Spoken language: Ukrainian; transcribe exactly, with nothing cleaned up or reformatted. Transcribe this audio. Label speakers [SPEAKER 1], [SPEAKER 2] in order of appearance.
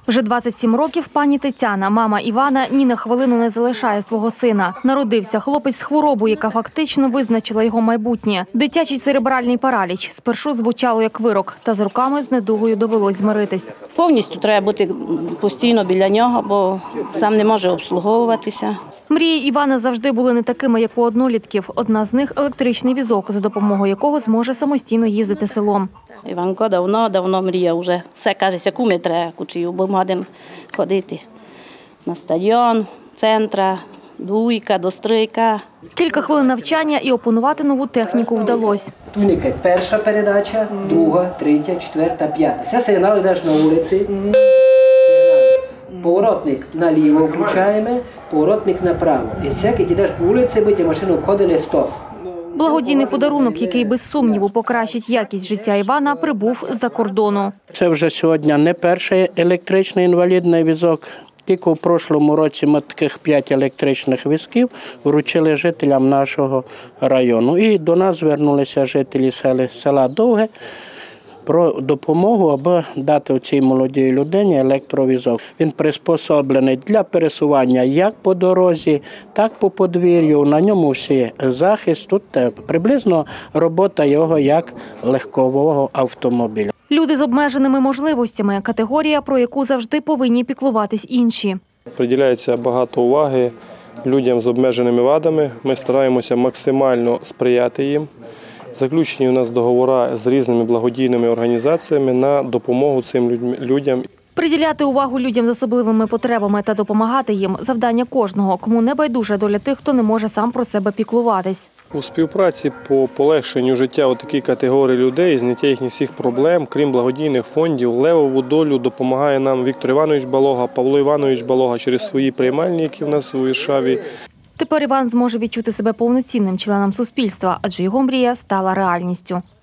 [SPEAKER 1] Вже двадцять сім років пані Тетяна, мама Івана, ні на хвилину не залишає свого сина. Народився хлопець з хворобою, яка фактично визначила його майбутнє. Дитячий церебральний параліч. Спершу звучало як вирок, та з роками з недугою довелось змиритись.
[SPEAKER 2] Повністю треба бути постійно біля нього, бо сам не може обслуговуватися.
[SPEAKER 1] Мрії Івана завжди були не такими, як у однолітків. Одна з них – електричний візок, за допомогою якого зможе самостійно їздити селом.
[SPEAKER 2] Іванко давно, давно мріяв вже. Все, каже, куми треба кучію, бо можемо ходити на стадіон, центра, двійка, достройка.
[SPEAKER 1] Кілька хвилин навчання і опанувати нову техніку вдалося.
[SPEAKER 3] Туніка – перша передача, друга, третя, четверта, п'ята. Це сигнал йдеш на вулиці. Поворотник наліво включаємо, поворотник направо. І всяке йдеш по вулиці, бо ті машини обходили стоп.
[SPEAKER 1] Благодійний подарунок, який без сумніву покращить якість життя Івана, прибув з-за кордону.
[SPEAKER 4] Це вже сьогодні не перший електричний інвалідний візок. Тільки в прошлому році ми таких п'ять електричних візків вручили жителям нашого району. І до нас звернулися жителі села Довге про допомогу, аби дати цій молодій людині електровізок. Він приспособлений для пересування як по дорозі, так по подвір'ю. На ньому всі захист. Тут приблизно робота його як легкового автомобіля.
[SPEAKER 1] Люди з обмеженими можливостями – категорія, про яку завжди повинні піклуватись інші.
[SPEAKER 5] Приділяється багато уваги людям з обмеженими вадами. Ми стараємося максимально сприяти їм. Заключені у нас договори з різними благодійними організаціями на допомогу цим людям.
[SPEAKER 1] Приділяти увагу людям з особливими потребами та допомагати їм – завдання кожного, кому не байдужа доля тих, хто не може сам про себе піклуватись.
[SPEAKER 5] У співпраці по полегшенню життя у такій категорії людей, зняття їхніх всіх проблем, крім благодійних фондів, левову долю допомагає нам Віктор Іванович Балога, Павло Іванович Балога через свої приймальні, які в нас у Віршаві.
[SPEAKER 1] Тепер Іван зможе відчути себе повноцінним членом суспільства, адже його мрія стала реальністю.